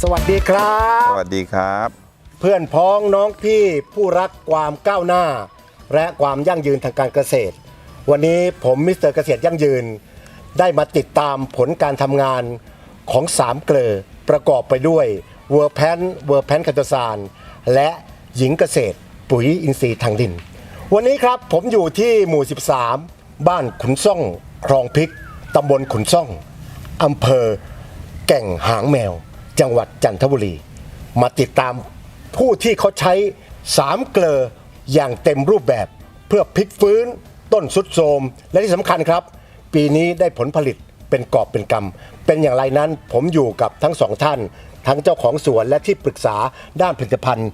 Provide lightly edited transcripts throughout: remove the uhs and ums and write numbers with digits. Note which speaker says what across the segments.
Speaker 1: สวัสดีครับ
Speaker 2: สวัสดีครับ
Speaker 1: เพื่อนพ้องน้องพี่ผู้รักความก้าวหน้าและความยั่งยืนทางการเกษตรวันนี้ผมมิสเตอร์เกษตรยั่งยืนได้มาติดตามผลการทำงานของ3เกลอประกอบไปด้วยเวอร์แพนคาโตซานและหญิงเกษตรปุ๋ยอินทรีย์ทางดินวันนี้ครับผมอยู่ที่หมู่13บ้านขุนซ่องคลองพริกตำบลขุนซ่องอำเภอแก่งหางแมวจังหวัดจันทบุรีมาติดตามผู้ที่เขาใช้3เกลออย่างเต็มรูปแบบเพื่อพลิกฟื้นต้นทรุดโทรมและที่สำคัญครับปีนี้ได้ผลผลิตเป็นกอบเป็นกำเป็นอย่างไรนั้นผมอยู่กับทั้งสองท่านทั้งเจ้าของสวนและที่ปรึกษาด้านผลิตภัณฑ์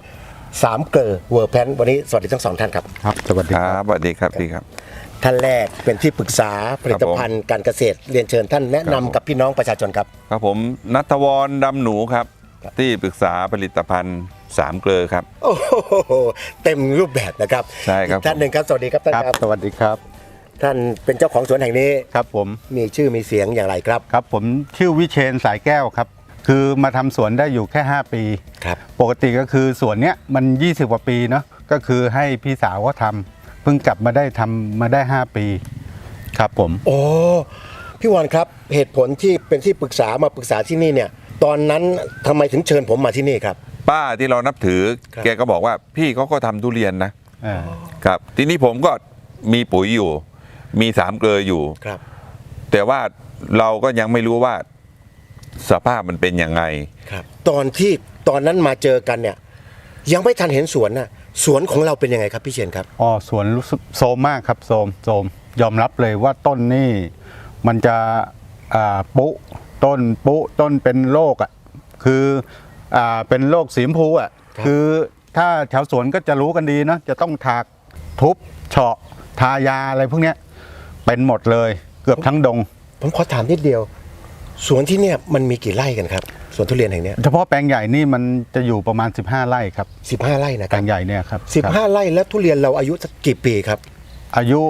Speaker 1: 3เกลอเวอร์แพนวันนี้สวัสดีทั้งสองท่านครับ
Speaker 3: ครับสวัสดีครับ
Speaker 2: สวัสดีครับพี่ครับ
Speaker 1: ท่านแรกเป็นที่ปรึกษาผลิตภัณฑ์การเกษตรเรียนเชิญท่านแนะนำกับพี่น้องประชาชนครับ
Speaker 2: ครับผมณัฐวรดำหนูครับที่ปรึกษาผลิตภัณฑ์3เกลอครับ
Speaker 1: โอ้โหเต็มรูปแบบนะครับ
Speaker 2: ใช่ครับ
Speaker 1: ท่านหนึ่งครับสวัสดีครับท่านครับ
Speaker 3: สวัสดีครับ
Speaker 1: ท่านเป็นเจ้าของสวนแห่งนี้
Speaker 3: ครับผม
Speaker 1: มีชื่อมีเสียงอย่างไรครับ
Speaker 3: ครับผมชื่อวิเชนสายแก้วครับคือมาทำสวนได้อยู่แค่5ปี
Speaker 1: ครับ
Speaker 3: ปกติก็คือสวนเนี้ยมัน20กว่าปีเนาะก็คือให้พี่สาวเขาทำเพิ่งกลับมาได้ทำมาได้5ปีครับผม
Speaker 1: โอ้พี่วอนครับเหตุผลที่เป็นที่ปรึกษามาปรึกษาที่นี่เนี่ยตอนนั้นทำไมถึงเชิญผมมาที่นี่ครับ
Speaker 2: ป้าที่เรานับถือแกก็บอกว่าพี่เขาก็ทำทุเรียนนะครับทีนี้ผมก็มีปุ๋ยอยู่มี3เกลออยู่
Speaker 1: ครับ
Speaker 2: แต่ว่าเราก็ยังไม่รู้ว่าสภาพมันเป็นยังไง
Speaker 1: ครับตอนนั้นมาเจอกันเนี่ยยังไม่ทันเห็นสวนน่ะสวนของเราเป็นยังไงครับพี่เชนครับ
Speaker 3: อ๋อสวนรู้สึกโซมมากครับโซมยอมรับเลยว่าต้นนี่มันจะปุต้นเป็นโรคคือเป็นโรคสีชมพูคือถ้าแถวสวนก็จะรู้กันดีเนาะจะต้องถากทุบเฉาะทายาอะไรพวกนี้เป็นหมดเลยเกือบทั้งดง
Speaker 1: ผมขอถามนิดเดียวสวนที่เนี่ยมันมีกี่ไร่กันครับสวนทุเรียนแห่งนี้
Speaker 3: เฉพาะแปลงใหญ่นี่มันจะอยู่ประมาณ15ไร่ครับ
Speaker 1: 15ไร่นะค
Speaker 3: รั
Speaker 1: บ
Speaker 3: แปลงใหญ่เนี่ยครับ
Speaker 1: 15ไร่แล้วทุเรียนเราอายุสักกี่ปีครับ
Speaker 3: อายุ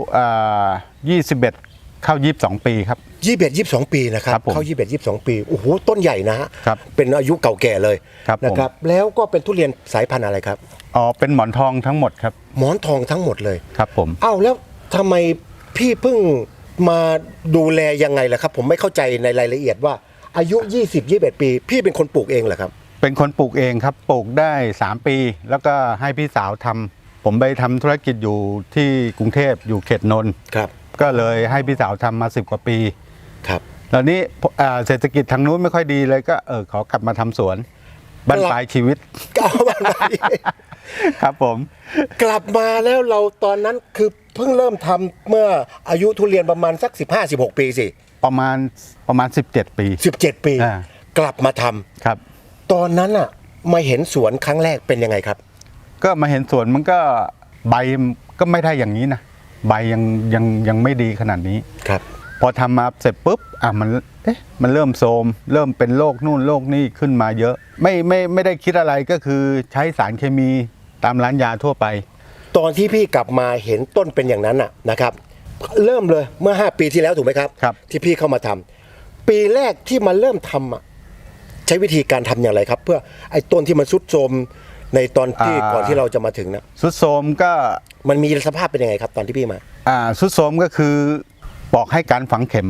Speaker 3: 21เข้า22ปีครับ
Speaker 1: 22ปีนะครับเข้า22ปีโอ้โหต้นใหญ่นะฮะเป็นอายุเก่าแก่เลยนะครับแล้วก็เป็นทุเรียนสายพันธุ์อะไรครับ
Speaker 3: อ๋อเป็นหมอนทองทั้งหมดครับ
Speaker 1: หมอนทองทั้งหมดเลย
Speaker 3: ครับผม
Speaker 1: อ้าวแล้วทำไมพี่เพิ่งมาดูแลยังไงล่ะครับผมไม่เข้าใจในรายละเอียดว่าอายุ20-21ปีพี่เป็นคนปลูกเองเหรอครับ
Speaker 3: เป็นคนปลูกเองครับปลูกได้3ปีแล้วก็ให้พี่สาวทำผมไปทำธุรกิจอยู่ที่กรุงเทพอยู่เขตนนท์
Speaker 1: ครับ
Speaker 3: ก็เลยให้พี่สาวทำมา10กว่าปี
Speaker 1: ครับ
Speaker 3: แล้วนี้เศรษฐกิจทางนู้นไม่ค่อยดีเลยก็ขอกลับมาทำสวนบรรปลายชีวิตครับผม
Speaker 1: กลับมาแล้วเราตอนนั้นคือเพิ่งเริ่มทำเมื่ออายุทุเรียนประมาณสัก15-16ปีสิ
Speaker 3: ประมาณ17ปี
Speaker 1: 17ปีกลับมาท
Speaker 3: ำครับ
Speaker 1: ตอนนั้นอ่ะมาเห็นสวนครั้งแรกเป็นยังไงครับ
Speaker 3: ก็มาเห็นสวนมันก็ใบก็ไม่ได้อย่างนี้นะใบยังไม่ดีขนาดนี้
Speaker 1: ครับ
Speaker 3: พอทำมาเสร็จปุ๊บมันเริ่มโทรมเริ่มเป็นโรคนู่นโรคนี่ขึ้นมาเยอะไม่ได้คิดอะไรก็คือใช้สารเคมีตามร้านยาทั่วไป
Speaker 1: ตอนที่พี่กลับมาเห็นต้นเป็นอย่างนั้นนะครับเริ่มเลยเมื่อ5ปีที่แล้วถูกไหมครับที่พี่เข้ามาทำปีแรกที่มาเริ่มทำใช้วิธีการทำอย่างไรครับเพื่อไอ้ต้นที่มันทรุดโทรมในตอนที่ก่อนที่เราจะมาถึงนะ
Speaker 3: ทรุดโทรมก็
Speaker 1: มันมีสภาพเป็นยังไงครับตอนที่พี่มา
Speaker 3: ทรุดโทรมก็คือบอกให้การฝังเข็ม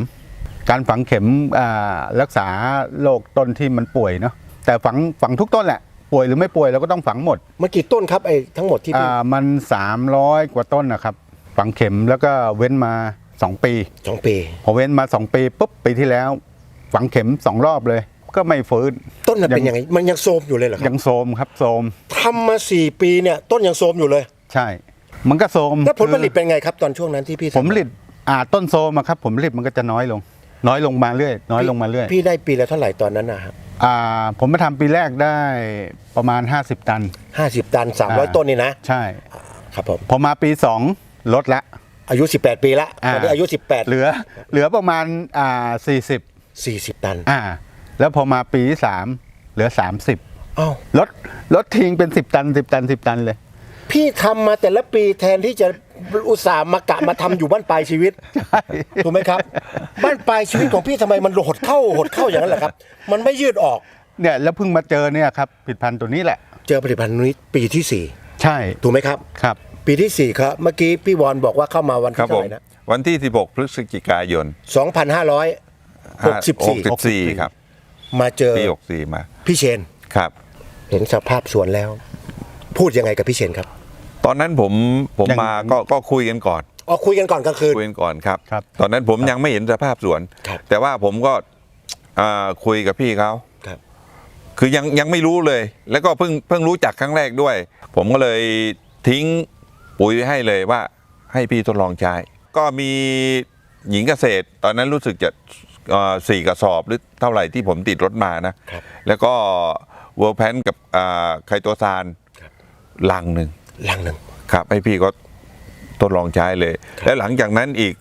Speaker 3: รักษาโรคต้นที่มันป่วยเนาะแต่ฝังทุกต้นแหละป่วยหรือไม่ป่วยเราก็ต้องฝังหมด
Speaker 1: มันกี่ต้นครับไอ้ทั้งหมดที่
Speaker 3: มัน300กว่าต้นนะครับฝังเข็มแล้วก็เว้นมา2ปีพอเว้นมา2ปีปุ๊บปีที่แล้วฝังเข็ม2รอบเลยก็ไม่ฟื้น
Speaker 1: ต้นมันเป็นยังไงมันยังโทรมอยู่เลยเหรอครับ
Speaker 3: ยังโทรมครับโทรม
Speaker 1: ทำมา4ปีเนี่ยต้นยังโทรมอยู่เลย
Speaker 3: ใช่มันก็โทรม
Speaker 1: แล้วผลผลิตเป็นไงครับตอนช่วงนั้นที่พี่
Speaker 3: ผลผลิตต้นโทรมครับผลผลิตมันก็จะน้อยลงมาเรื่อย
Speaker 1: พี่ได้ปีละเท่าไหร่ตอนนั้นนะครับ
Speaker 3: ผมมาทำปีแรกได้ประมาณ50ตัน
Speaker 1: 300ต้นนี่นะ
Speaker 3: ใช่
Speaker 1: ครับผม
Speaker 3: พอมาปี2ลดละ
Speaker 1: อายุ18ปีละตอนนี้อายุ18
Speaker 3: เหลือประมาณ40
Speaker 1: ตัน
Speaker 3: แล้วพอมาปีที่3เหลือ30
Speaker 1: อ้าว
Speaker 3: ลดทิ้งเป็น10ตันเลย
Speaker 1: พี่ทำมาแต่ละปีแทนที่จะอุตส่าห์มาทำอยู่บ้านปลายชีวิตถูกไหมครับบ้านปลายชีวิตของพี่ทำไมมันหดเข้าอย่างนั้นแหละครับมันไม่ยืดออก
Speaker 3: เนี่ยแล้วเพิ่งมาเจอเนี่ยครับผลิตภัณฑ์ตัวนี้แหละ
Speaker 1: เจอผลิตภัณฑ์นี้ปีที่
Speaker 3: ใช่
Speaker 1: 4 ถูกไหมครับ
Speaker 3: ครับ
Speaker 1: ปีที่ 4 ครับ เมื่อกี้พี่วอนบอกว่าเข้ามาวัน
Speaker 2: ครั
Speaker 1: ที่
Speaker 2: บ
Speaker 1: เท่า
Speaker 2: ผ
Speaker 1: ไห
Speaker 2: ม
Speaker 1: ร่นะ
Speaker 2: วันที่ 16 พฤศจิกายน
Speaker 1: 2564
Speaker 2: ครับ
Speaker 1: มาเจอ
Speaker 2: ปี64มา
Speaker 1: พี่เชน
Speaker 2: ครับ
Speaker 1: เห็นสภาพสวนแล้ว พูดยังไงกับพี่เชนครับ
Speaker 2: ตอนนั้นผม
Speaker 3: ยัง
Speaker 2: มาก็คุยกันก่อน
Speaker 1: อ๋อคุยกันก่อนกลางคืน
Speaker 2: คุยกันก่อนครับ
Speaker 3: ครับ
Speaker 2: ตอนนั้นผมยังไม่เห็นสภาพสวน
Speaker 1: ครับ
Speaker 2: แต่ว่าผมก็คุยกับพี่เขา
Speaker 1: ครับ
Speaker 2: คือยังไม่รู้เลย แล้วก็เพิ่งรู้จักครั้งแรกด้วย ผมก็เลยทิ้งปุ๋ยไว้ให้เลยว่าให้พี่ทดลองใช้ ก็มีหญิงเกษตร ตอนนั้นรู้สึกจะ4 กระสอบหรือเท่าไหร่ที่ผมติดรถมานะ
Speaker 1: ครับ
Speaker 2: แล้วก็เวอร์แพนกับไคโตซาน
Speaker 1: ครับ
Speaker 2: ลังหนึ่ง
Speaker 1: ลังหนึ่ง
Speaker 2: ครับให้พี่ก็ทดลองใช้เลย แล้วหลังจากนั้นอีก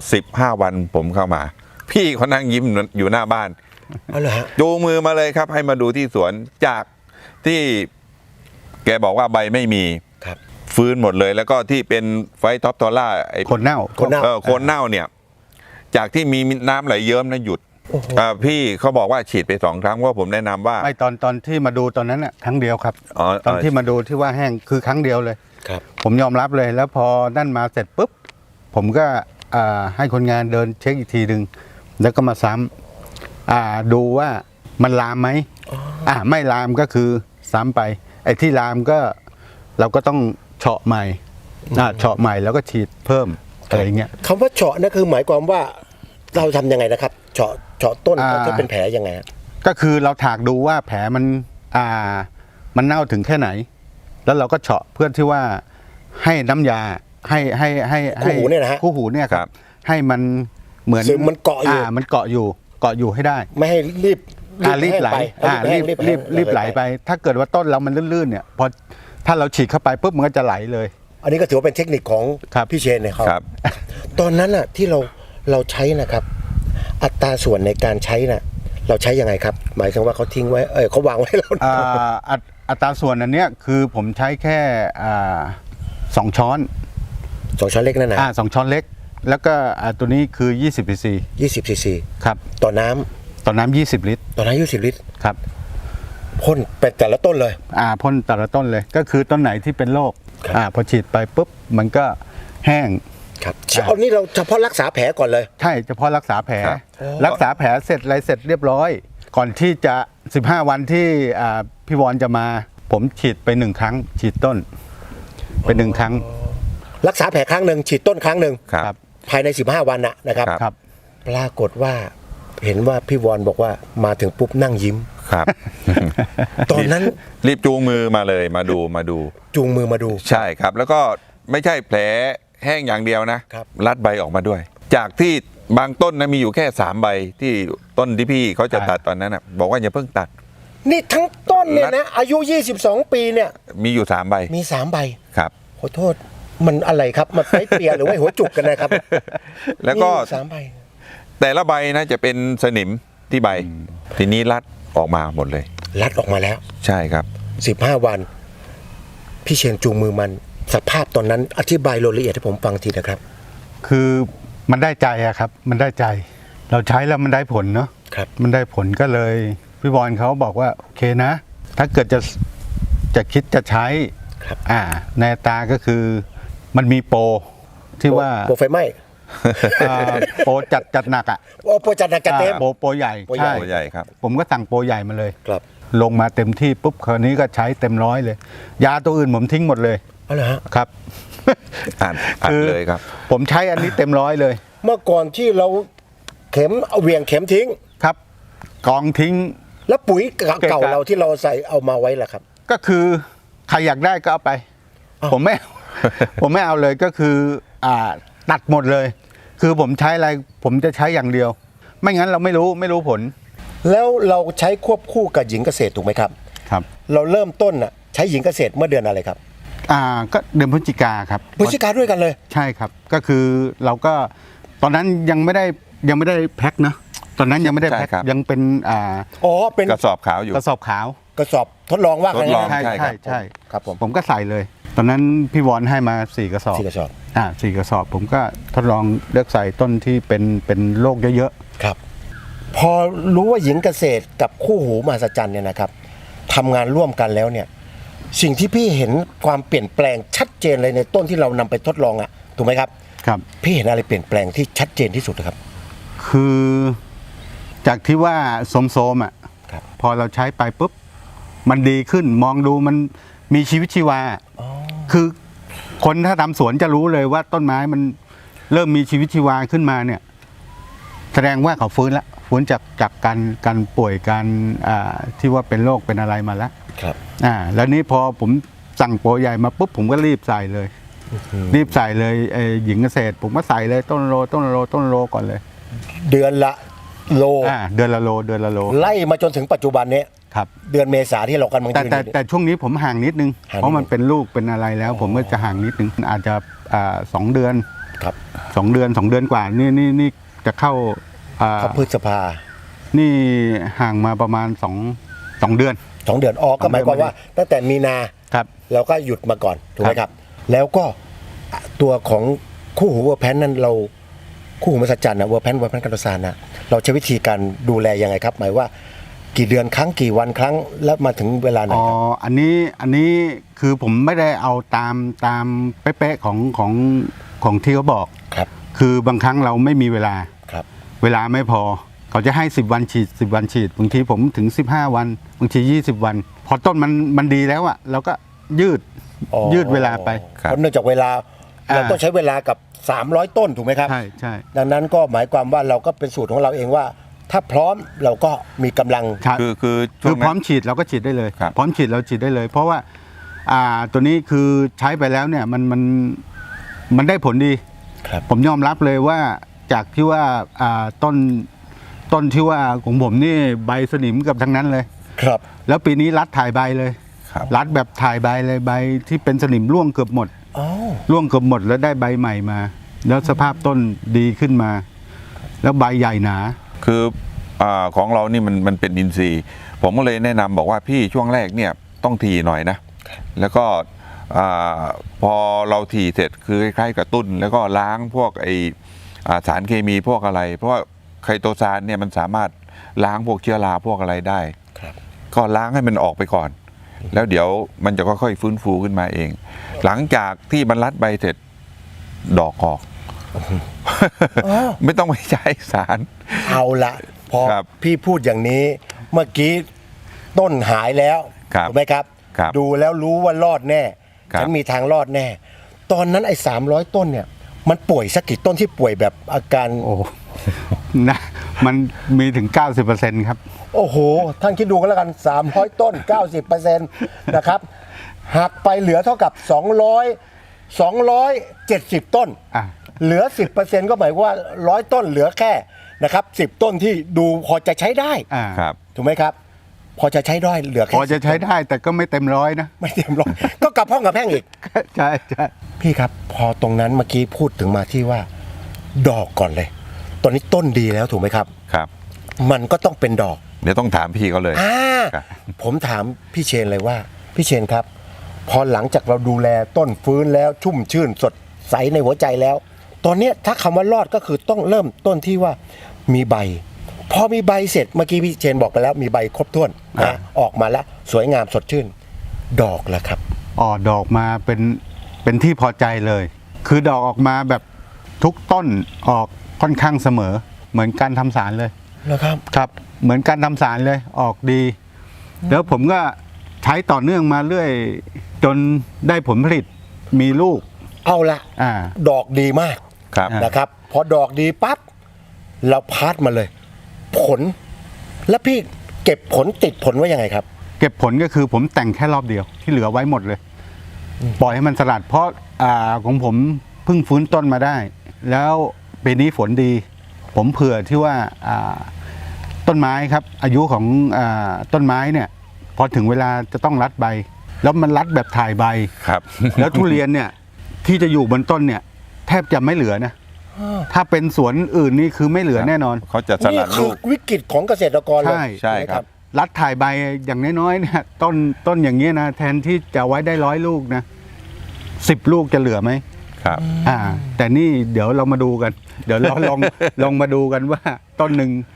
Speaker 2: 15 วันผมเข้ามา พี่เขานั่งยิ้มอยู่หน้าบ้าน
Speaker 1: เอาเลยฮะ
Speaker 2: จูงมือมาเลยครับ ให้มาดูที่สวนจากที่แกบอกว่าใบไม่มี
Speaker 1: ครับ
Speaker 2: ฟื้นหมดเลย แล้วก็ที่เป็นไฟท็อปทอร่าไอ้
Speaker 3: คนเน่า
Speaker 1: คนเน่า
Speaker 2: โคนเน่าเนี่ย จากที่มีน้ำไหลเยิ้มนะหยุด
Speaker 1: โอ้โห
Speaker 2: พี่เขาบอกว่าฉีดไป2 ครั้งเพราะผมแนะนำว่า
Speaker 3: ไม่ตอนที่มาดูตอนนั้นน่ะครั้งเดียวครับ
Speaker 2: อ๋อ
Speaker 3: ตอนที่มาดูที่ว่าแห้งคือครั้งเดียวเลย
Speaker 1: ครับ
Speaker 3: ผมยอมรับเลยแล้วพอนั่นมาเสร็จปุ๊บผมก็ให้คนงานเดินเช็คอีกทีหนึ่งแล้วก็มาซ้ำดูว่ามันลามไหมไม่ลามก็คือซ้ำไป ไอ้ที่ลามก็เราก็ต้องเฉาะใหม่เฉาะใหม่แล้วก็ฉีดเพิ่มอะไรเงี้ย
Speaker 1: คำว่าเฉาะนั่นคือหมายความว่าเราทำยังไงนะครับ เฉาะต้นถ้าเป็นแผลยังไงฮะ
Speaker 3: ก็คือเราถากดูว่าแผลมันเน่าถึงแค่ไหน แล้วเราก็เฉาะเพื่อที่ว่าให้น้ำยาให้
Speaker 1: คู่หูเนี่ยนะฮะ
Speaker 3: คู่หูเนี่ยครับ ให้มันเหมือน
Speaker 1: ซึมมันเกาะอยู่
Speaker 3: มันเกาะอยู่ให้ได้
Speaker 1: ไม่ให้รีบ
Speaker 3: รีบไหล รีบไหลไป ถ้าเกิดว่าต้นเรามันลื่นๆเนี่ยพอถ้าเราฉีดเข้าไปปุ๊บมันก็จะไหลเลย
Speaker 1: อันนี้ก็ถือว่าเป็นเทคนิคของ
Speaker 3: ครับ
Speaker 1: พี่เชนเนี่ย
Speaker 2: ครับ
Speaker 1: ตอนนั้นน่ะที่เราใช้นะครับ อัตราส่วนในการใช้น่ะเราใช้ยังไงครับ หมายถึงว่าเขาทิ้งไว้เขาวางไว้ให้เรา
Speaker 3: อัตราส่วนอันเนี้ยคือผมใช้แค่2 ช้อน
Speaker 1: 2 ช้อนเล็กนั่นนะ
Speaker 3: 2 ช้อนเล็ก แล้วก็ตัวนี้คือ20 cc
Speaker 1: 20 ซีซี
Speaker 3: ครับ
Speaker 1: ต่อน้ำ
Speaker 3: ต่อน้ำ20 ลิตร
Speaker 1: ต่อน้ำ20 ลิตร
Speaker 3: ครับ
Speaker 1: พ่นไปแต่ละต้นเลย
Speaker 3: พ่นแต่ละต้นเลยก็คือต้นไหนที่เป็นโรค
Speaker 1: ครับ
Speaker 3: พอฉีดไปปุ๊บมันก็แห้ง
Speaker 1: ครับเอานี่เราเฉพาะรักษาแผลก่อนเลย
Speaker 3: ใช่เฉพาะรักษาแผล
Speaker 2: ครับ
Speaker 3: รักษาแผลเสร็จอะไรเสร็จเรียบร้อย ก่อนที่จะ15 วันที่พี่วอนจะมา ผมฉีดไป1 ครั้ง ฉีดต้นไป1 ครั้ง
Speaker 1: รักษาแผลครั้งหนึ่งฉีดต้นครั้งหนึ่ง
Speaker 2: ครับ
Speaker 1: ภายใน15 วันนะครับ
Speaker 3: ครับ
Speaker 1: ปรากฏว่าเห็นว่าพี่วอนบอกว่ามาถึงปุ๊บนั่งยิ้ม
Speaker 2: ครับ
Speaker 1: ตอนนั้น
Speaker 2: รีบจูงมือมาเลยมาดู
Speaker 1: จูงมือมาดู
Speaker 2: ใช่ครับ แล้วก็ไม่ใช่แผลแห้งอย่างเดียวนะครับ รัดใบออกมาด้วย จากที่บางต้นนะมีอยู่แค่3 ใบที่ต้นที่พี่เขาจะตัดตอนนั้นนะบอกว่าอย่าเพิ่งตัด
Speaker 1: นี่ทั้งต้นเนี่ยนะอายุ 22 ปีเนี่ย
Speaker 2: มีอยู่3 ใบ
Speaker 1: มี3 ใบ
Speaker 2: ครับ
Speaker 1: ขอโทษมันอะไรครับมันไปเปียหรือว่าหัวจุกกันนะครับ
Speaker 2: แล้วก็
Speaker 1: มี3 ใบ
Speaker 2: แต่ละใบนะจะเป็นสนิมที่ใบ ทีนี้รัดออกมาหมดเลย
Speaker 1: รัดออกมาแล้ว
Speaker 2: ใช่ครับ
Speaker 1: 15 วัน พี่เชนจูงมือมันสภาพตอนนั้นอธิบายรายละเอียดให้ผมฟังทีนะครับ
Speaker 3: คือมันได้ใจอะครับ มันได้ใจ เราใช้แล้วมันได้ผลเนาะ
Speaker 1: ครับ
Speaker 3: มันได้ผลก็เลยพี่บอลเขาบอกว่าโอเคนะ ถ้าเกิดจะคิดจะใช้
Speaker 1: ครับ
Speaker 3: ในอัตราก็คือมันมีโปรที่ว่า
Speaker 1: โปรไฟไหม้
Speaker 3: โปรจัดหนักอ่ะ
Speaker 1: โอ้โปรจัดหนักจัดเต็ม
Speaker 3: โปรใหญ่
Speaker 1: โปรใหญ่
Speaker 3: ใช่
Speaker 2: ตัวใหญ่ครับ
Speaker 3: ผมก็สั่งโปรใหญ่มาเลย
Speaker 1: ครับ
Speaker 3: ลงมาเต็มที่ปุ๊บคราวนี้ก็ใช้เต็มร้อยเลย ยาตัวอื่นผมทิ้งหมดเลย
Speaker 1: เอาเหรอฮะ
Speaker 3: ครับ
Speaker 2: อัดเลยครับ
Speaker 3: ผมใช้อันนี้เต็มร้อยเลย
Speaker 1: เมื่อก่อนที่เราเอาเหวี่ยงเข็มทิ้ง
Speaker 3: ครับ กองทิ้ง
Speaker 1: แล้วปุ๋ยเก่า
Speaker 3: เก่า
Speaker 1: เราที่เราใส่เอามาไว้ล่ะครับ
Speaker 3: ก็คือใครอยากได้ก็เอาไป
Speaker 1: อ้าว
Speaker 3: ผมไม่ ผมไม่เอาเลยก็คือตัดหมดเลย คือผมใช้อะไรผมจะใช้อย่างเดียว ไม่งั้นเราไม่รู้ผล
Speaker 1: แล้วเราใช้ควบคู่กับหญิงเกษตรถูกไหมครับ
Speaker 3: ครับ
Speaker 1: เราเริ่มต้นน่ะใช้หญิงเกษตรเมื่อเดือนอะไรครับ
Speaker 3: ก็เดือนพฤศจิกาครับ
Speaker 1: พฤศจิกาด้วยกันเลย
Speaker 3: ใช่ครับ ก็คือเราก็ตอนนั้นยังไม่ได้แพ็คนะตอนนั้นยังไม่ได้แพ็ค
Speaker 2: ใช่ครับ
Speaker 3: ยังเป็น
Speaker 1: อ๋อเป็น
Speaker 2: กระสอบขาวอยู่
Speaker 3: กระสอบขาว
Speaker 1: กระสอบทดลองว่า
Speaker 2: ทดลอง
Speaker 1: ใช่
Speaker 3: ใช่
Speaker 2: ใช่
Speaker 3: ใช่
Speaker 2: ครับ
Speaker 3: ใช่
Speaker 1: ครับผม
Speaker 3: ผมก็ใส่เลย ตอนนั้นพี่วอนให้มา4 กระสอบ
Speaker 1: 4 กระสอบ
Speaker 3: 4 กระสอบ ผมก็ทดลองเลือกใส่ต้นที่เป็นโรคเยอะ
Speaker 1: ครับพอรู้ว่าหญิงเกษตรกับคู่หูมหัศจรรย์เนี่ยนะครับทำงานร่วมกันแล้วเนี่ยสิ่งที่พี่เห็นความเปลี่ยนแปลงชัดเจนเลยในต้นที่เรานำไปทดลองอะถูกไหมครับ
Speaker 3: ครับ
Speaker 1: พี่เห็นอะไรเปลี่ยนแปลงที่ชัดเจนที่สุดนะครับ
Speaker 3: คือจากที่ว่าโสมๆอ่ะ
Speaker 1: ครับ
Speaker 3: พอเราใช้ไปปุ๊บมันดีขึ้นมองดูมันมีชีวิตชีวา คือคนถ้าทำสวนจะรู้เลยว่าต้นไม้มันเริ่มมีชีวิตชีวาขึ้นมาเนี่ย แสดงว่าเขาฟื้นแล้วฟื้นจากการป่วยการที่ว่าเป็นโรคเป็นอะไรมาแล้ว
Speaker 1: ครับ
Speaker 3: แล้วนี้พอผมสั่งโปรใหญ่มาปุ๊บผมก็รีบใส่เลย รีบใส่เลยหญิงเกษตร ผมก็ใส่เลยต้นโลก่อนเลย
Speaker 1: เดือนละโล
Speaker 3: เดือนละโล
Speaker 1: ไล่มาจนถึงปัจจุบันนี้
Speaker 3: ครับ
Speaker 1: เดือนเมษาที่เรากำลังยืนอยู่เนี่ย
Speaker 3: แต่ช่วงนี้ผมห่างนิดนึง
Speaker 1: ห่างนิดนึง
Speaker 3: เพราะมันเป็นลูกเป็นอะไรแล้ว ผมก็จะห่างนิดนึงอาจจะ2 เดือน
Speaker 1: ครับ
Speaker 3: 2 เดือนกว่านี่จะเข้า
Speaker 1: เขาพฤษภา
Speaker 3: นี่ห่างมาประมาณ2 เดือน
Speaker 1: 2 เดือนก็หมายความว่าตั้งแต่มีนา
Speaker 3: ครับ
Speaker 1: เราก็หยุดมาก่อนถูกไหม
Speaker 3: ครับ
Speaker 1: ครับ แล้วก็ตัวของคู่หูเวอร์แพนนั้นเราคู่หูมหัศจรรย์นะเวอร์แพนกัตซานนะเราใช้วิธีการดูแลยังไงครับ หมายว่ากี่เดือนครั้งกี่วันครั้งแล้วมาถึงเวลาไหนครับ
Speaker 3: อันนี้คือผมไม่ได้เอาตามเป๊ะๆของที่เขาบอก
Speaker 1: ครับ
Speaker 3: คือบางครั้งเราไม่มีเวลา
Speaker 1: ครับ
Speaker 3: เวลาไม่พอเขาจะให้10 วันฉีด10 วันฉีดบางทีผมถึง15 วันบางที20 วัน พอต้นมันดีแล้วอะเราก็ยืดเวลาไป
Speaker 1: เพราะเนื่องจากเวลาเราต้องใช้เวลากับ300 ต้นถูกไหมครับ
Speaker 3: ใช่
Speaker 1: ดังนั้นก็หมายความว่าเราก็เป็นสูตรของเราเองว่า ถ้าพร้อมเราก็มีกำลัง
Speaker 3: ใช่
Speaker 2: คือช่
Speaker 3: คื
Speaker 2: ว
Speaker 3: อง พร้อมฉีดเราก็ฉีดได้เลย
Speaker 2: ครับ
Speaker 3: พร้อมฉีดเราฉีดได้เลย เพราะว่าตัวนี้คือใช้ไปแล้วเนี่ยมันได้ผลดี
Speaker 1: ครับ
Speaker 3: ผมยอมรับเลยว่าจากที่ว่าต้นที่ว่าของผมนี่ใบสนิมกับทั้งนั้นเลย
Speaker 1: ครับ
Speaker 3: แล้วปีนี้รัดถ่ายใบเลย
Speaker 2: ครับ
Speaker 3: รัดแบบถ่ายใบเลยใบที่เป็นสนิมร่วงเกือบหมด
Speaker 1: อ๋อ
Speaker 3: ร่วงเกือบหมดแล้วได้ใบใหม่มา แล้วสภาพต้นดีขึ้นมา แล้วใบใหญ่หนา
Speaker 2: คือของเรานี่มันเป็นอินทรีย์ ผมก็เลยแนะนำบอกว่าพี่ช่วงแรกเนี่ยต้องถี่หน่อยนะ แล้วก็พอเราถี่เสร็จคือคล้ายๆกับตุ้น แล้วก็ล้างพวกสารเคมีพวกอะไร เพราะว่าไคโตซานเนี่ยมันสามารถล้างพวกเชื้อราพวกอะไรได้
Speaker 1: ครับ
Speaker 2: ก็ล้างให้มันออกไปก่อน แล้วเดี๋ยวมันจะค่อยๆฟื้นฟูขึ้นมาเอง หลังจากที่มันรัดใบเสร็จดอกออก ไม่ต้องไปใช้สาร
Speaker 1: เอาละพอ
Speaker 2: ครับ
Speaker 1: พี่พูดอย่างนี้เมื่อกี้ต้นหายแล้ว
Speaker 2: ครับ
Speaker 1: ถูกไหมครับ
Speaker 2: ครับ
Speaker 1: ดูแล้วรู้ว่ารอดแน่
Speaker 2: ครับ
Speaker 1: ฉันมีทางรอดแน่ ตอนนั้นไอ้300 ต้นเนี่ย มันป่วยสักกี่ต้นที่ป่วยแบบอาการ
Speaker 3: โอ้ นะมันมีถึง 90%ครับ
Speaker 1: โอ้โห ท่านคิดดูกันแล้วกัน 300 ต้น 90% นะครับหักไปเหลือเท่ากับ 270 ต้น
Speaker 3: อ่ะ
Speaker 1: เหลือ 10%ก็หมายว่า100 ต้นเหลือแค่นะครับ10 ต้นที่ดูพอจะใช้ได้
Speaker 2: ครับ
Speaker 1: ถูกไหมครับ พอจะใช้ได้เหลือแค่
Speaker 3: พอจะใช้ได้แต่ก็ไม่เต็มร้อยนะ
Speaker 1: ไม่เต็มร้อย ก็กลับห้องกับแพ่งอีก
Speaker 3: ใช่
Speaker 1: พี่ครับ พอตรงนั้นเมื่อกี้พูดถึงมาที่ว่า ดอกก่อนเลย ตอนนี้ต้นดีแล้วถูกไหมครับ
Speaker 2: ครับ
Speaker 1: มันก็ต้องเป็นดอก
Speaker 2: เดี๋ยวต้องถามพี่เขาเลย ครับ
Speaker 1: ผมถามพี่เชนเลยว่า พี่เชนครับ พอหลังจากเราดูแลต้นฟื้นแล้วชุ่มชื่นสดใสในหัวใจแล้ว ตอนเนี้ยถ้าคำว่ารอดก็คือต้องเริ่มต้นที่ว่ามีใบ พอมีใบเสร็จเมื่อกี้พี่เชนบอกไปแล้วมีใบครบถ้วนนะออกมาแล้วสวยงามสดชื่น ดอกละครับ
Speaker 3: ดอกมาเป็นที่พอใจเลย คือดอกออกมาแบบทุกต้นออกค่อนข้างเสมอ เหมือนการทำสารเลย
Speaker 1: นะครับ
Speaker 3: ครับ เหมือนการทำสารเลยออกดี แล้วผมก็ใช้ต่อเนื่องมาเรื่อย จนได้ผลผลิตมีลูก
Speaker 1: เอาละ
Speaker 3: อ่า
Speaker 1: ดอกดีมาก
Speaker 2: ครับ
Speaker 1: นะครับ พอดอกดีปั๊บเราพาร์ทมาเลย ผล แล้วพี่เก็บผลติดผลไว้ยังไงครับ
Speaker 3: เก็บผลก็คือผมแต่งแค่รอบเดียวที่เหลือไว้หมดเลย ปล่อยให้มันสลัดเพราะของผมเพิ่งฟื้นต้นมาได้ แล้วปีนี้ฝนดี ผมเผื่อที่ว่าต้นไม้ครับ อายุของต้นไม้เนี่ยพอถึงเวลาจะต้องรัดใบ แล้วมันรัดแบบถ่ายใบ
Speaker 2: ครับ
Speaker 3: แล้วทุเรียนเนี่ยที่จะอยู่บนต้นเนี่ยแทบจะไม่เหลือนะ ถ้าเป็นสวนอื่นนี่คือไม่เหลือแน่นอน
Speaker 2: เขาจะส
Speaker 1: นี่
Speaker 2: ลัด
Speaker 1: คื
Speaker 2: ลู
Speaker 1: อก วิกฤตของเกษตรกรเลย
Speaker 3: ใช่
Speaker 1: ไหม
Speaker 2: ครับ
Speaker 3: รัดถ่ายใบอย่างน้อยๆเนี่ยต้นอย่างเงี้ยนะแทนที่จะไว้ได้100 ลูกนะ10 ลูกจะเหลือไหม
Speaker 2: ครับ
Speaker 3: แต่นี่เดี๋ยวเรามาดูกัน เดี๋ยวเราลองมาดูกันว่าต้นหนึ่ง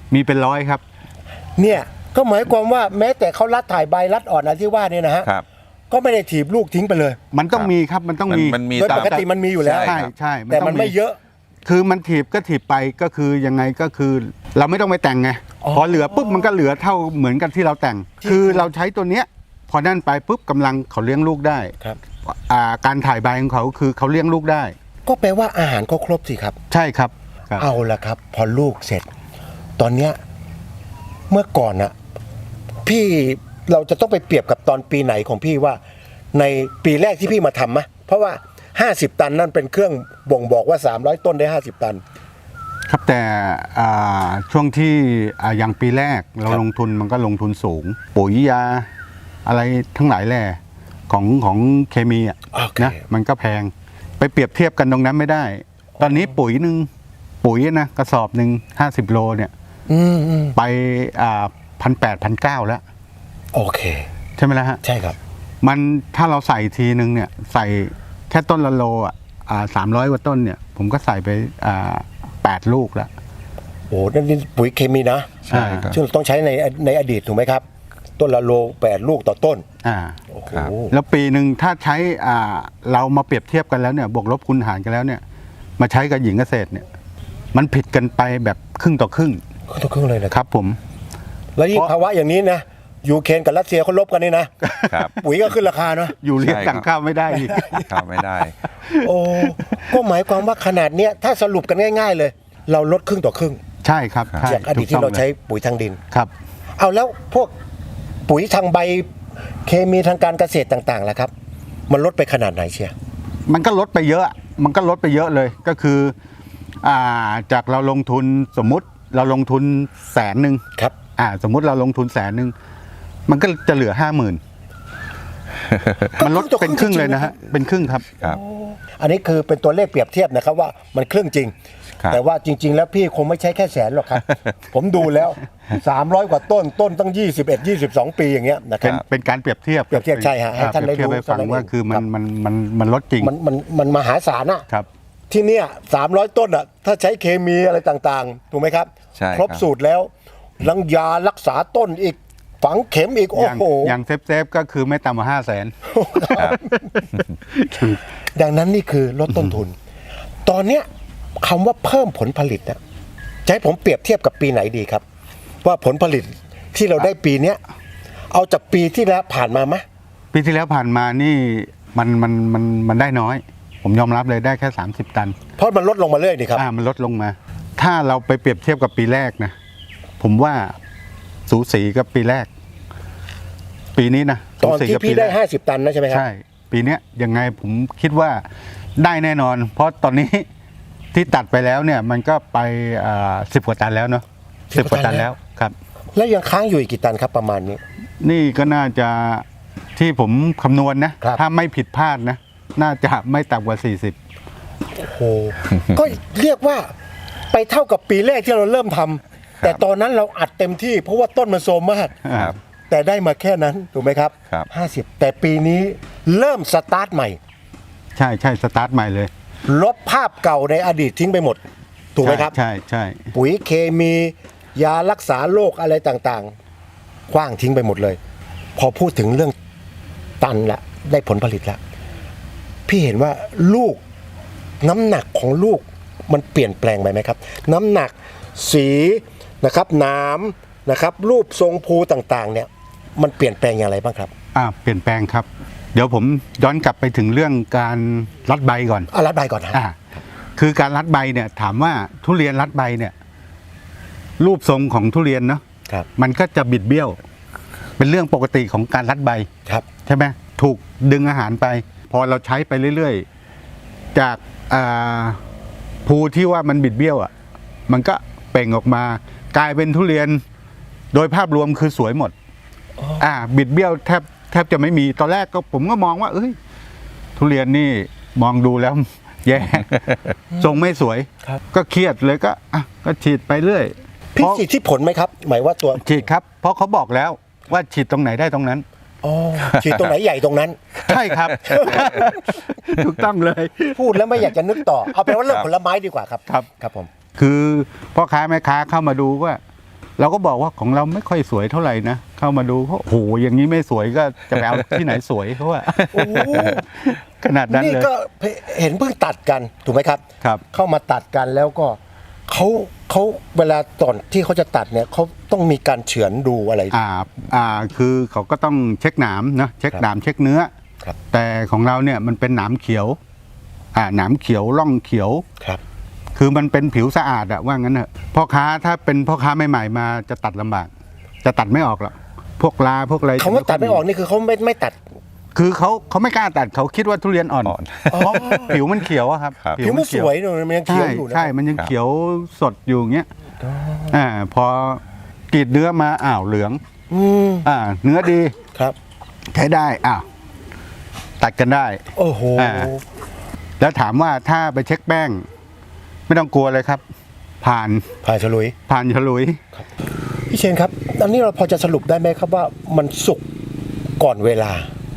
Speaker 3: มีเป็นร้อยครับ
Speaker 1: เนี่ยก็หมายความว่าแม้แต่เขารัดถ่ายใบรัดอ่อนอะไรที่ว่าเนี่ยนะฮะ
Speaker 2: ครับ
Speaker 1: ก็ไม่ได้ถีบลูกทิ้งไปเลย
Speaker 3: มันต้องมีครับมันต้องมี
Speaker 2: มันมี
Speaker 1: โดยปกติมันมีอยู่แล้ว
Speaker 3: ใช่ใช่
Speaker 1: แต่มันไม่เยอะ
Speaker 3: คือมันถีบก็ถีบไปก็คือยังไงก็คือ เราไม่ต้องไปแต่งไง
Speaker 1: อ๋อ
Speaker 3: พอเหลือปุ๊บมันก็เหลือเท่าเหมือนกันที่เราแต่ง คือเราใช้ตัวเนี้ยพอนั่นไปปุ๊บกำลังเขาเลี้ยงลูกได้
Speaker 1: ครับ
Speaker 3: การถ่ายใบของเขาคือเขาเลี้ยงลูกได้
Speaker 1: ก็แปลว่าอาหารเขาครบสิครับ
Speaker 3: ใช่ครับครับ
Speaker 1: เอาละครับ พอลูกเสร็จ ตอนเนี้ยเมื่อก่อนน่ะพี่เราจะต้องไปเปรียบกับตอนปีไหนของพี่ว่า ในปีแรกที่พี่มาทำมะเพราะว่า50 ตันนั่นเป็นเครื่องบ่งบอกว่า300 ต้นได้50 ตัน
Speaker 3: ครับแต่ช่วงที่อย่างปีแรกเรา
Speaker 1: ครับ
Speaker 3: ลงทุนมันก็ลงทุนสูง ปุ๋ยยาอะไรทั้งหลายแหล่ของเคมีอ่ะ
Speaker 1: โอเค
Speaker 3: นะมันก็แพงไปเปรียบเทียบกันตรงนั้นไม่ได้ ตอนนี้ปุ๋ยนะกระสอบหนึ่ง50 โลเนี่ย
Speaker 1: อืม
Speaker 3: ไป1,800-1,900แล้ว
Speaker 1: โอเค
Speaker 3: ใช่ไหมล่ะฮะ
Speaker 1: ใช่ครับ
Speaker 3: มันถ้าเราใส่ทีนึงเนี่ยใส่แค่ต้นละโล300 กว่าต้นเนี่ยผมก็ใส่ไป8 ลูกแล้ว
Speaker 1: โอ้นั่นนี่ปุ๋ยเคมีนะ
Speaker 3: ใช่ครับ
Speaker 1: ซึ่งต้องใช้ในอดีตถูกไหมครับ ต้นละโล8 ลูกต่อต้น โอ้โห
Speaker 2: ครับ
Speaker 3: แล้วปีหนึ่งถ้าใช้เรามาเปรียบเทียบกันแล้วเนี่ยบวกลบคูณหารกันแล้วเนี่ยมาใช้กับหญิงเกษตรเนี่ยมันผิดกันไปแบบครึ่งต่อครึ่ง
Speaker 1: ทุกครึ่งเลยนะค
Speaker 3: ครับ รับผม
Speaker 1: แล้วยิ่งภาวะอย่างนี้นะยูเครนกับรัสเซียเขาลบกันนี่นะครับ ปุ๋ยก็ขึ้นราคาเนาะ
Speaker 3: อยู่เรียก
Speaker 2: ใช่ครับ
Speaker 3: สั่งข้าวไม่ได้อีก
Speaker 2: ข้ามไม่ได้
Speaker 1: โอ้ก็หมายความว่าขนาดเนี้ยถ้าสรุปกันง่าย ๆ เลย เราลดครึ่งต่อครึ่ง
Speaker 3: ใช่ครับใช่
Speaker 1: จากอดีตที่เราใช้ปุ๋ยทางดิน
Speaker 3: ครับ
Speaker 1: เอาแล้วพวกปุ๋ยทางใบเคมีทางการเกษตรต่างๆล่ะครับ มันลดไปขนาดไหนเชียร์
Speaker 3: มันก็ลดไปเยอะเลยก็คือจากเราลงทุนสมมุติเราลงทุน100,000
Speaker 1: ครับ
Speaker 3: สมมุติเราลงทุน100,000มันก็จะเหลือ 50,000 มันลดเป็นครึ่งเลยนะฮะเป็นครึ่งครับ
Speaker 2: ครับ
Speaker 1: อันนี้คือเป็นตัวเลขเปรียบเทียบนะครับว่ามันครึ่งจริง
Speaker 2: ครับ
Speaker 1: แต่ว่าจริง ๆ แล้วพี่คงไม่ใช่แค่แสนหรอกครับ ผมดูแล้ว 300 กว่าต้นตั้ง21-22 ปีอย่างเงี้ยนะค
Speaker 3: เป็
Speaker 1: รั
Speaker 3: น
Speaker 1: บ
Speaker 3: เป็นการเปรียบเทียบ
Speaker 1: เปรียบเทียบใช่ฮะให้ท่านได้
Speaker 3: เปรียบเทียบ
Speaker 1: รู้
Speaker 3: ให้ฟัง
Speaker 1: เท่านั้น
Speaker 3: ว่า
Speaker 1: เอง
Speaker 3: คือมั
Speaker 1: ครั
Speaker 3: น
Speaker 1: บ
Speaker 3: มันลดจริง
Speaker 1: มันมหาศาลอะ
Speaker 3: ครับ
Speaker 1: ที่เนี่ย300 ต้นอะถ้าใช้เคมีอะไรต่างๆ ถูกไหมครับ
Speaker 2: ใช่
Speaker 1: ครบ
Speaker 2: ครับ
Speaker 1: สูตรแล้วลังยารักษาต้นอีกฝังเข็มอีก โอ้
Speaker 3: อย่าง
Speaker 1: โห
Speaker 3: อย่างเซฟก็คือไม่ต่ำกว่า500,000
Speaker 2: ครับ
Speaker 1: ดังนั้นนี่คือลดต้นทุน ตอนเนี้ยคำว่าเพิ่มผลผลิตนะจะให้ผมเปรียบเทียบกับปีไหนดีครับ ว่าผลผลิตที่เราได้ปีเนี้ยเอาจากปีที่แล้วผ่านมาไหม
Speaker 3: ปีที่แล้วผ่านมานี่มันได้น้อย ผมยอมรับเลยได้แค่30 ตัน
Speaker 1: เพราะมันลดลงมาเรื่อยนี่ครับ
Speaker 3: มันลดลงมา ถ้าเราไปเปรียบเทียบกับปีแรกนะผมว่าสูสีกับปีแรก ปีนี้นะ
Speaker 1: ตอน
Speaker 3: สูสี
Speaker 1: ที่
Speaker 3: กับ
Speaker 1: พี่
Speaker 3: ปีแร
Speaker 1: ได้
Speaker 3: ก
Speaker 1: 50 ตันนะใช่ไหมครับ
Speaker 3: ใช่ ปีเนี้ยยังไงผมคิดว่าได้แน่นอน เพราะตอนนี้ ที่ตัดไปแล้วเนี่ยมันก็ไป10 กว่าตันแล้วเนาะ10 กว่าตันแล้วครับ
Speaker 1: แล้วยังค้างอยู่อีกกี่ตันครับประมาณนี้
Speaker 3: นี่ก็น่าจะที่ผมคำนวณนะ
Speaker 1: ครับ
Speaker 3: ถ้าไม่ผิดพลาดนะ น่าจะไม่ต่ำกว่า
Speaker 1: โอ้โห ก็เรียกว่าไปเท่ากับปีแรกที่เราเริ่มทำแต่ตอนนั้นเราอัดเต็มที่เพราะว่าต้นมันโซมมาก
Speaker 3: 40
Speaker 2: ครับ
Speaker 1: แต่ได้มาแค่นั้นถูกไหมครับ
Speaker 2: ครับ
Speaker 1: 50 แต่ปีนี้เริ่มสตาร์ทใหม่
Speaker 3: ใช่สตาร์ทใหม่เลย
Speaker 1: ลบภาพเก่าในอดีตทิ้งไปหมด ถูกไหมครับ
Speaker 3: ใช่
Speaker 1: ปุ๋ยเคมียารักษาโรคอะไรต่างๆคว้างทิ้งไปหมดเลย พอพูดถึงเรื่องตันละได้ผลผลิตละพี่เห็นว่าลูกน้ำหนักของลูกมันเปลี่ยนแปลงไปไหมครับ น้ำหนักสีนะครับน้ำนะครับ รูปทรงภูต่างๆ เนี่ย มันเปลี่ยนแปลงอย่างไรบ้างครับ
Speaker 3: เปลี่ยนแปลงครับ เดี๋ยวผมย้อนกลับไปถึงเรื่องการรัดใบก่อน
Speaker 1: รัดใบก่อนนะ
Speaker 3: คือการรัดใบเนี่ยถามว่าทุเรียนรัดใบเนี่ยรูปทรงของทุเรียนเนาะ
Speaker 1: ครับ
Speaker 3: มันก็จะบิดเบี้ยว เป็นเรื่องปกติของการรัดใบ
Speaker 1: ครับ
Speaker 3: ใช่ไหมถูกดึงอาหารไป พอเราใช้ไปเรื่อยๆ จากภูที่ว่ามันบิดเบี้ยวมันก็เปล่งออกมากลายเป็นทุเรียนโดยภาพรวมคือสวยหมดบิดเบี้ยวแทบจะไม่มีตอนแรกก็ผมก็มองว่าทุเรียนนี่มองดูแล้ว แย่ ทรงไม่สวย
Speaker 1: ครับ
Speaker 3: ก็เครียดเลยก็ฉีดไปเรื่อย
Speaker 1: พี่ฉีดที่ผลไหมครับ หมายว่าตัว
Speaker 3: ฉีดครับ เพราะเขาบอกแล้วว่าฉีดตรงไหนได้ตรงนั้น
Speaker 1: ฉีดตรงไหนใหญ่ตรงนั้น
Speaker 3: ใช่ครับ ถูกต้องเลย
Speaker 1: พูดแล้วไม่อยากจะนึกต่อ เอาเป็นว่าเรื่องผลไม้ดีกว่าครับ
Speaker 3: ครับ
Speaker 1: ครับผม
Speaker 3: คือพ่อค้าแม่ค้าเข้ามาดูว่าเราก็บอกว่าของเราไม่ค่อยสวยเท่าไหร่นะเข้ามาดูเขาโอ้โหอย่างนี้ไม่สวยก็จะไปเอาที่ไหนสวยเขาว่า
Speaker 1: โอ้โห
Speaker 3: ขนาดนั้น
Speaker 1: นี่
Speaker 3: เลย
Speaker 1: ก็เห็นเพิ่งตัดกันถูกไหมครับ
Speaker 3: ครับ
Speaker 1: เข้ามาตัดกันแล้วก็เขาเวลาตอนที่เขาจะตัดเนี่ยเขาต้องมีการเฉือนดูอะไร
Speaker 3: คือเขาก็ต้องเช็คหนามนะเช็คหนามเช็คเนื้อ
Speaker 1: ครับ
Speaker 3: แต่ของเราเนี่ยมันเป็นหนามเขียวหนามเขียวร่องเขียว
Speaker 1: ครับ
Speaker 3: คือมันเป็นผิวสะอาดอะว่างั้นเถอะพ่อค้าถ้าเป็นพ่อค้าใหม่ๆมาจะตัดลำบาก จะตัดไม่ออกหรอกพวกลาพวกอะไร
Speaker 1: คำว่าตัดไม่ออกนี่คือเขาไม่ตัด
Speaker 3: คือเขาไม่กล้าตัดเขาคิดว่าทุเรียนอ่อนผิวมันเขียวอะครับ
Speaker 2: ครับ
Speaker 1: ผิวมันสวยเลยมันยังเขียวอยู่นะ
Speaker 3: ใช่มันยังเขียวสดอยู่อย่างเงี้ยพอกรีดเนื้อมาเหลือง
Speaker 1: อืม
Speaker 3: เนื้อดี
Speaker 1: ครับ
Speaker 3: ใช้ได้ตัดกันได้
Speaker 1: โอ้โห
Speaker 3: แล้วถามว่าถ้าไปเช็คแป้ง ไม่ต้องกลัวเลยครับ ผ่าน
Speaker 1: ผ่านฉลุย
Speaker 3: ฉลุย
Speaker 1: พี่เชนครับอันนี้เราพอจะสรุปได้ไหมครับว่ามันสุกก่อนเวลา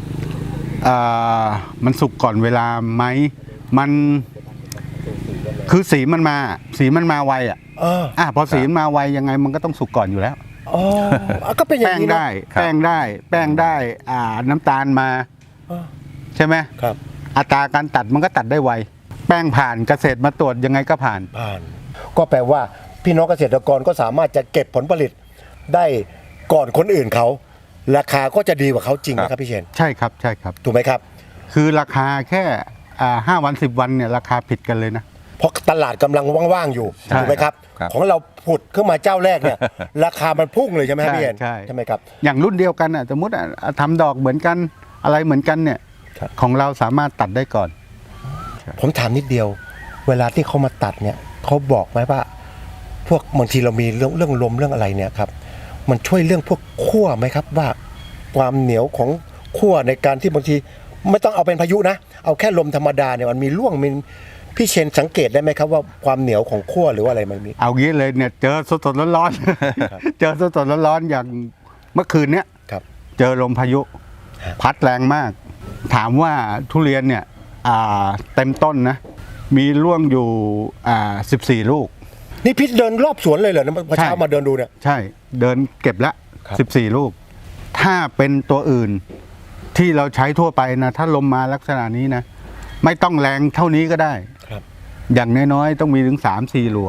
Speaker 3: มันสุกก่อนเวลาไหมมันคือสีมันมาไวพอสีมันมาไวยังไงมันก็ต้องสุกก่อนอยู่แล้ว
Speaker 1: อ๋อก็เป็นอย่า
Speaker 3: แป้
Speaker 1: ง
Speaker 3: ง
Speaker 1: นี้
Speaker 3: ได้
Speaker 1: นะ
Speaker 3: แป้งได้น้ำตาลมา ใช่ไหม
Speaker 1: ครับ
Speaker 3: อัตราการตัดมันก็ตัดได้ไวแป้งผ่านเกษตรมาตรวจยังไงก็ผ่าน
Speaker 1: ก็แปลว่าพี่น้องเกษตรกรก็สามารถจะเก็บผลผลิตได้ก่อนคนอื่นเขาราคาก็จะดีกว่าเขาจริงไหมครับพี่เชน
Speaker 3: ใช่ครับ
Speaker 1: ถูกไหมครับ
Speaker 3: คือราคาแค่5 วัน10 วันเนี่ยราคาผิดกันเลยนะ
Speaker 1: เพราะตลาดกำลังว่างๆอยู่
Speaker 3: ใช่
Speaker 1: ถูกไหมครับ
Speaker 2: ครับ
Speaker 1: ของเราผุดขึ้นมาเจ้าแรกเนี่ย ราคามันพุ่งเลยใช่ไหมครับพี่เชน
Speaker 3: ใช่
Speaker 1: ไหมครับ
Speaker 3: อย่างรุ่นเดียวกันสมมติทำดอกเหมือนกันอะไรเหมือนกันเนี่ย
Speaker 1: ครับ
Speaker 3: ของเราสามารถตัดได้ก่อน
Speaker 1: ผมถามนิดเดียว เวลาที่เขามาตัดเนี่ยเขาบอกไหมว่า พวกบางทีเรามีเรื่องลมเรื่องอะไรเนี่ยครับ มันช่วยเรื่องพวกขั้วไหมครับว่าความเหนียวของขั้วในการที่บางทีไม่ต้องเอาเป็นพายุนะ เอาแค่ลมธรรมดาเนี่ยมันมีร่วงมีพี่เชนสังเกตได้ไหมครับว่าความเหนียวของขั้วหรือว่าอะไรมันมี
Speaker 3: เอางี้เลยเนี่ยเจอสดๆร้อน
Speaker 1: ครับ
Speaker 3: ๆ เจอสดๆร้อนๆอย่างเมื่อคืนเนี้ย
Speaker 1: ครับ
Speaker 3: เจอลมพายุ
Speaker 1: ครับ
Speaker 3: พัดแรงมาก ถามว่าทุเรียนเนี่ยเต็มต้นนะมีร่วงอยู่14 ลูก
Speaker 1: นี่พี่เดินรอบสวนเลยเหรอพอเช้ามาเดินดูเนี่ย
Speaker 3: ใช่เดินเก็บละ
Speaker 1: ครับ
Speaker 3: 14 ลูก ถ้าเป็นตัวอื่นที่เราใช้ทั่วไปนะถ้าลมมาลักษณะนี้นะไม่ต้องแรงเท่านี้ก็ได้
Speaker 1: ครับ
Speaker 3: อย่างน้อยๆต้องมีถึง 3-4 หลัว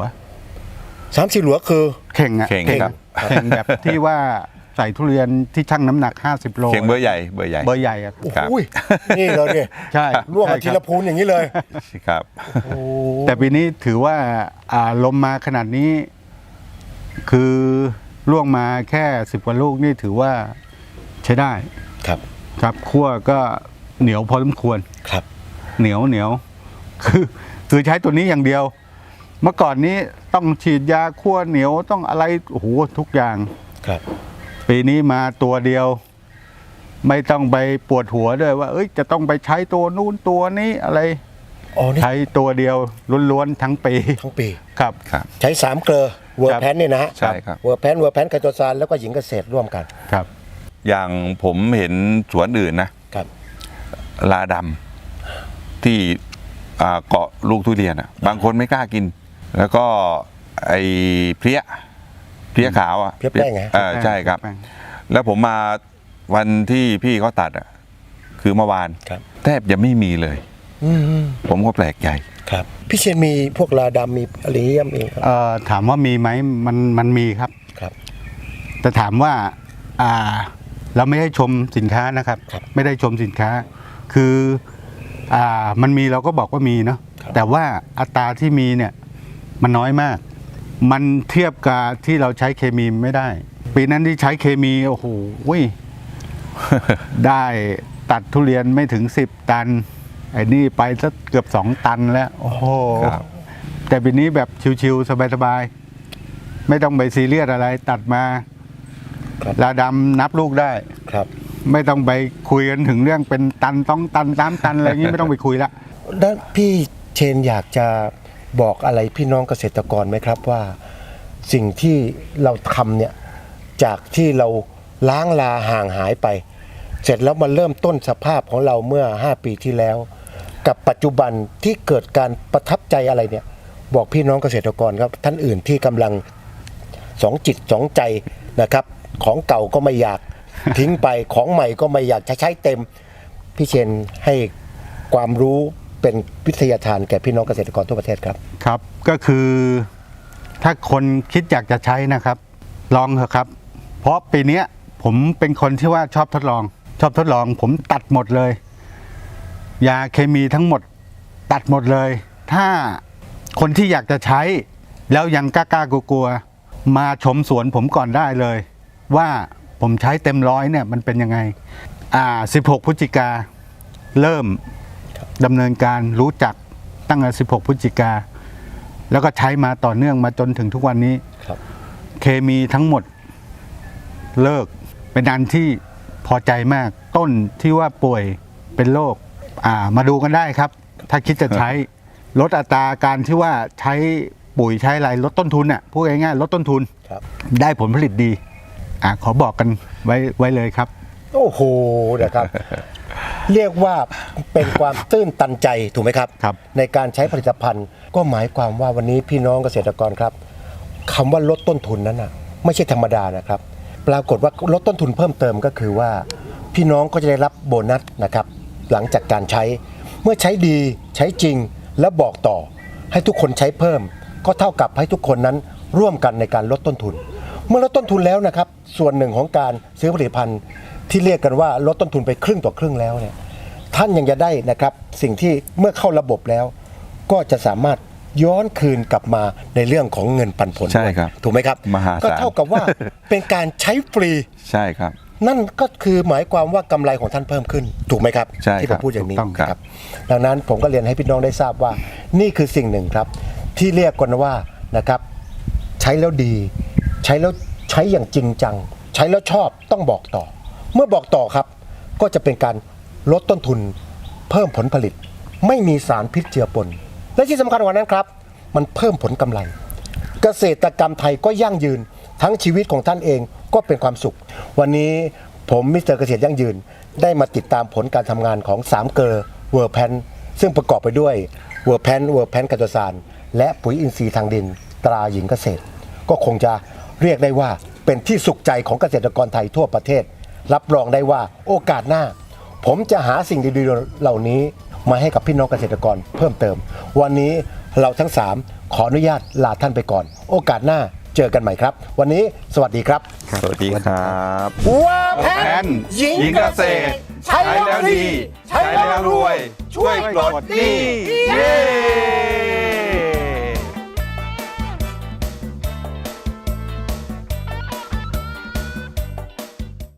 Speaker 1: 3-4 หลัวคือ
Speaker 3: เข่งอะ
Speaker 2: เข่งครับ
Speaker 3: เข่งแบบที่ว่าใส่ทุเรียนที่ชั่งน้ำหนัก50 โล
Speaker 2: เขียงเบอร์ใหญ่
Speaker 3: เบอร์ใหญ่อะ
Speaker 1: โอ้
Speaker 2: ครับ
Speaker 1: โหนี่เลยเนี่ย
Speaker 3: ใช่
Speaker 1: ร่วงกับ
Speaker 3: ใช่
Speaker 1: ที
Speaker 3: ค
Speaker 1: ละ
Speaker 3: รับ
Speaker 1: พูนอย่างนี้เลย
Speaker 2: ครับ
Speaker 1: โอ้
Speaker 3: แต่ปีนี้ถือว่าลมมาขนาดนี้ คือร่วงมาแค่10 กว่าลูกนี่ถือว่าใช้ได้
Speaker 1: ครับ
Speaker 3: ครับคั่วก็เหนียวพอสมควร
Speaker 1: ครับ
Speaker 3: เหนียวคือใช้ตัวนี้อย่างเดียว เมื่อก่อนนี้ต้องฉีดยาคั่วเหนียวต้องอะไรโอ้โหทุกอย่าง
Speaker 1: ครับ
Speaker 3: ปีนี้มาตัวเดียว ไม่ต้องไปปวดหัวด้วยว่าจะต้องไปใช้ตัวนู้นตัวนี้อะไร
Speaker 1: อ๋อนี่
Speaker 3: ใช้ตัวเดียวล้วนๆทั้งปี
Speaker 1: ทั้งปี
Speaker 3: ครับ
Speaker 2: ครับ
Speaker 1: ใช้3 เกลอเวอร์แพนเนี่ยนะฮะ
Speaker 2: ใช่ครับ
Speaker 1: เวอร์แพนไคโตซานแล้วก็หญิงเกษตรร่วมกัน
Speaker 3: ครับ
Speaker 2: อย่างผมเห็นสวนอื่นนะครับ ลาดำที่เกาะลูกทุเรียนบางคนไม่กล้ากิน แล้วก็ไอ้เพลี้ยขาว
Speaker 1: เพลี้ยแป้งไง
Speaker 2: ใช่ครับ
Speaker 3: แป้ง
Speaker 2: แล้วผมมาวันที่พี่เขาตัดคือเมื่อวาน
Speaker 1: ครับ
Speaker 2: แทบจะไม่มีเลย
Speaker 1: อืม
Speaker 2: ผมก็แปลกใจ
Speaker 1: ครับพี่เชนมีพวกลาดำมีอะไรเยี่ยมเองครับ
Speaker 3: ถามว่ามีไหมมันมีครับ
Speaker 1: ครับ
Speaker 3: แต่ถามว่าเราไม่ได้ชมสินค้านะครับ
Speaker 1: ครับ
Speaker 3: ไม่ได้ชมสินค้า คือมันมีเราก็บอกว่ามีเนาะ
Speaker 1: ครับ
Speaker 3: แต่ว่าอัตราที่มีเนี่ยมันน้อยมาก มันเทียบกับที่เราใช้เคมีไม่ได้ ปีนั้นที่ใช้เคมีโอ้โห ได้ตัดทุเรียนไม่ถึง10 ตันไอ้นี่ไปสักเกือบ2 ตันแล้ว โอ้โห
Speaker 2: ครับ
Speaker 3: แต่ปีนี้แบบชิวๆสบายๆไม่ต้องไปซีเรียสอะไรตัดมา
Speaker 1: ครับ
Speaker 3: ลาดำนับลูกได้
Speaker 1: ครับ
Speaker 3: ไม่ต้องไปคุยกันถึงเรื่องเป็นตันต้องตัน3 ตันอะไรอย่างนี้ ไม่ต้องไปคุยละ
Speaker 1: ด้านพี่เชนอยากจะบอกอะไรพี่น้องเกษตรกรไหมครับว่าสิ่งที่เราทำเนี่ยจากที่เราล้างลาห่างหายไป เสร็จแล้วมาเริ่มต้นสภาพของเราเมื่อ5 ปีที่แล้ว กับปัจจุบันที่เกิดการประทับใจอะไรเนี่ยบอกพี่น้องเกษตรกรครับท่านอื่นที่กำลังสองจิตสองใจนะครับของเก่าก็ไม่อยาก ทิ้งไปของใหม่ก็ไม่อยากจะใช้เต็มพี่เชนให้ความรู้เป็นวิทยาทานแก่พี่น้องเกษตรกรทั่วประเทศครับ
Speaker 3: ครับก็คือถ้าคนคิดอยากจะใช้นะครับ ลองเถอะครับ เพราะปีเนี้ยผมเป็นคนที่ว่าชอบทดลอง ผมตัดหมดเลย ยาเคมีทั้งหมดตัดหมดเลย ถ้าคนที่อยากจะใช้แล้วยังกล้ากลัวๆมาชมสวนผมก่อนได้เลย ว่าผมใช้เต็มร้อยเนี่ยมันเป็นยังไง16 พฤศจิกาเริ่มดำเนินการรู้จักตั้งแต่16 พฤศจิกาแล้วก็ใช้มาต่อเนื่องมาจนถึงทุกวันนี้
Speaker 1: ครับ
Speaker 3: เคมีทั้งหมดเลิกเป็นอันที่พอใจมากต้นที่ว่าป่วยเป็นโรคมาดูกันได้ครับ ถ้าคิดจะใช้ลดอัตราการที่ว่าใช้ปุ๋ยใช้อะไรลดต้นทุนน่ะพูดง่ายๆลดต้นทุน
Speaker 1: ครับ
Speaker 3: ได้ผลผลิตดีขอบอกกันไว้เลยครับ
Speaker 1: โอ้โหนะครับ เรียกว่าเป็นความตื้นตันใจถูกไหมครับ
Speaker 3: ครับ
Speaker 1: ในการใช้ผลิตภัณฑ์ก็หมายความว่าวันนี้พี่น้องเกษตรกรครับคำว่าลดต้นทุนนั้นน่ะไม่ใช่ธรรมดานะครับ ปรากฏว่าลดต้นทุนเพิ่มเติมก็คือว่าพี่น้องก็จะได้รับโบนัสนะครับหลังจากการใช้เมื่อใช้ดีใช้จริงแล้วบอกต่อให้ทุกคนใช้เพิ่ม ก็เท่ากับให้ทุกคนนั้นร่วมกันในการลดต้นทุน เมื่อลดต้นทุนแล้วนะครับส่วนหนึ่งของการซื้อผลิตภัณฑ์ที่เรียกกันว่าลดต้นทุนไปครึ่งต่อครึ่งแล้วเนี่ยท่านยังจะได้นะครับสิ่งที่เมื่อเข้าระบบแล้ว ก็จะสามารถย้อนคืนกลับมาในเรื่องของเงินปันผล
Speaker 2: ใช่ครับ
Speaker 1: ถูกไหมครับ
Speaker 2: มหาศาล
Speaker 1: ก็เท่ากับว่า เป็นการใช้ฟรี
Speaker 2: ใช่ครับ
Speaker 1: นั่นก็คือหมายความว่ากำไรของท่านเพิ่มขึ้น ถูกไหมครับ
Speaker 2: ใช่
Speaker 1: ที่
Speaker 2: ค
Speaker 1: ผ
Speaker 2: รับ
Speaker 1: มพูดอย่างนี้
Speaker 3: ถูกต้องครับ
Speaker 1: ดังนั้นผมก็เรียนให้พี่น้องได้ทราบว่า นี่คือสิ่งหนึ่งครับ ที่เรียกกันว่านะครับ ใช้แล้วดี ใช้แล้วใช้อย่างจริงจัง ใช้แล้วชอบต้องบอกต่อ เมื่อบอกต่อครับ ก็จะเป็นการลดต้นทุน เพิ่มผลผลิต ไม่มีสารพิษเจือปน และที่สำคัญกว่านั้นครับ มันเพิ่มผลกำไร เกษตรกรรมไทยก็ยั่งยืนทั้งชีวิตของท่านเองก็เป็นความสุข วันนี้ผมมิสเตอร์เกษตรยั่งยืนได้มาติดตามผลการทำงานของ3เกอร์เวอร์แพนซึ่งประกอบไปด้วยเวอร์แพนกัตโตซานและปุ๋ยอินทรีย์ทางดินตราหญิงเกษตร ก็คงจะเรียกได้ว่าเป็นที่สุขใจของเกษตรกรไทยทั่วประเทศ รับรองได้ว่าโอกาสหน้า ผมจะหาสิ่งดีๆเหล่านี้มาให้กับพี่น้องเกษตรกรเพิ่มเติม วันนี้เราทั้ง 3 ขออนุญาตลาท่านไปก่อน โอกาสหน้าเจอกันใหม่ครับ วันนี้สวัสดีครับ
Speaker 2: สวัสดีครับ
Speaker 1: ว่าแพนหญิงเกษตร ใช้แล้วดี ใช้แล้วรวย ช่วยปลดหนี้เย้